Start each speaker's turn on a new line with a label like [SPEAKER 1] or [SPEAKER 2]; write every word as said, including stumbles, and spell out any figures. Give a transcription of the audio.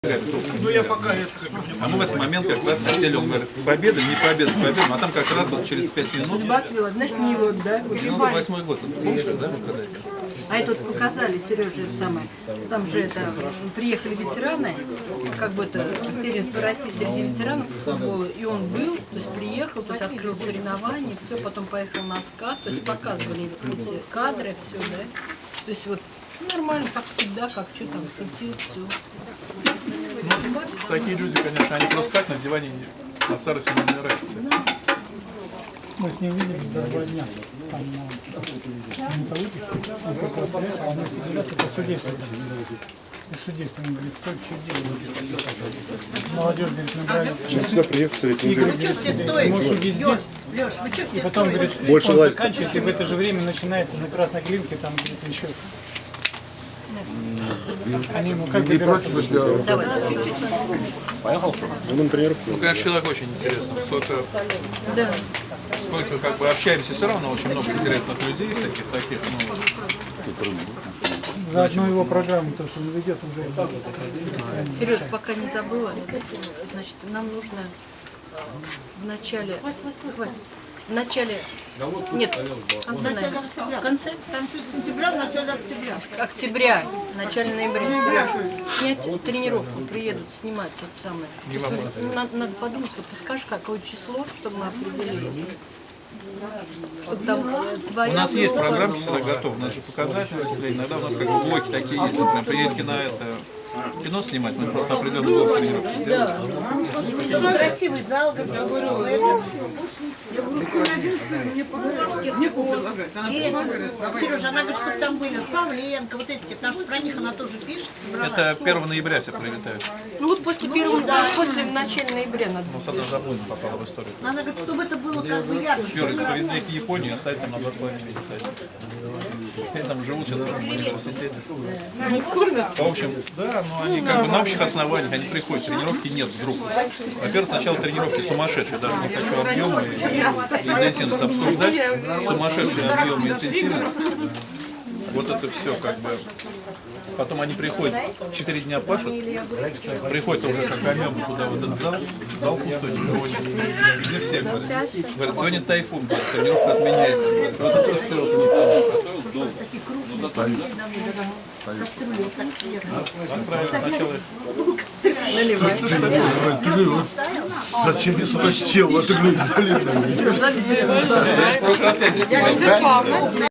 [SPEAKER 1] Ну я пока это...
[SPEAKER 2] А мы в этот момент как раз хотели, он говорит, победа, не победа, победа, а там как раз вот через пять минут,
[SPEAKER 3] Значит, не вот, да?
[SPEAKER 2] девяносто восьмой год, вот, помнишь, да, вы когда это?
[SPEAKER 3] А это вот показали, Сережа, это самое. Там же это приехали ветераны, как бы это первенство России среди ветеранов футбола, и он был, то есть приехал, то есть открыл соревнования, все, потом поехал на скат, то есть показывали эти кадры, все, да. То есть вот нормально, как всегда, как что там, шутил, все.
[SPEAKER 2] Ну, такие люди, конечно, они просто так на диване не- на старости не умирают.
[SPEAKER 4] Мы с ним виделись до два дня. Там на металлургии. Он только приехал, а мы федерация по судейству. И судейство, он говорит, все, что делать? Молодежь, говорит, набрали.
[SPEAKER 5] Сейчас сюда приехал, смотрите, не
[SPEAKER 4] Игорь,
[SPEAKER 5] говорит,
[SPEAKER 4] говорит, ему судить здесь.
[SPEAKER 6] Леш, вы что
[SPEAKER 4] И
[SPEAKER 6] все
[SPEAKER 4] потом, говорит,
[SPEAKER 5] Больше
[SPEAKER 4] он
[SPEAKER 5] власти.
[SPEAKER 4] заканчивает, и в это же время начинается на Красной Клинке, там, говорит, еще. Они ему как
[SPEAKER 5] не
[SPEAKER 4] добираться?
[SPEAKER 5] против, если
[SPEAKER 6] Давай, давай, чуть-чуть.
[SPEAKER 5] он на тренировку.
[SPEAKER 2] Ну, конечно, человек очень интересный. Сколько,
[SPEAKER 3] Да.
[SPEAKER 2] сколько как бы общаемся, все равно очень много интересных людей, всяких таких, ну,
[SPEAKER 4] За одну его программу, то, что он ведет уже.
[SPEAKER 3] Сереж, пока не забыла, значит, нам нужно в начале, хватит, в начале, нет, в конце, наверное, в конце
[SPEAKER 6] Сентября, в начале октября.
[SPEAKER 3] октября, в начале ноября, Сереж, снять тренировку, приедут снимать это самое. То есть, вот, надо, надо подумать, вот ты скажешь, какое число, чтобы мы определились. Чтобы там э, твоя
[SPEAKER 2] у нас есть
[SPEAKER 3] группа-
[SPEAKER 2] программки всегда готовы, надо же показать, иногда у нас как бы блоки такие есть, например, приедете на это кино снимать, мы просто определенный блок тренировки сделаем.
[SPEAKER 6] Красивый зал, как я говорю, это. Сережа, она говорит, чтобы там были Павленко, вот эти все, потому что про них она тоже пишет, собрала.
[SPEAKER 2] Это первого ноября все прилетают.
[SPEAKER 3] Ну вот после первого, после начала ноября надо.
[SPEAKER 2] У нас одна заблудина попала в историю.
[SPEAKER 6] Она говорит, чтобы это было как бы ярко.
[SPEAKER 2] Юра, если повезли их в Японию, оставить там на два с половиной месяца. Они там живут сейчас в университете. В общем, да, но они как бы на общих основаниях, они приходят, тренировки нет вдруг. Во-первых, сначала тренировки сумасшедшие, даже не хочу объемы и интенсивность обсуждать, сумасшедшие объемы и интенсивность. Вот это все как бы. Потом они приходят, четыре дня пашут, приходят уже как амебы туда, в этот зал, зал пустой, никого нет. Где все говорят, говорят, сегодня тайфун, говорят, тренировка отменяется. Говорят, вот это все вот у них там. Отправили сначала
[SPEAKER 5] Зачем я сюда сел? Это, блин, блин.
[SPEAKER 2] в прошлый раз я здесь сидел.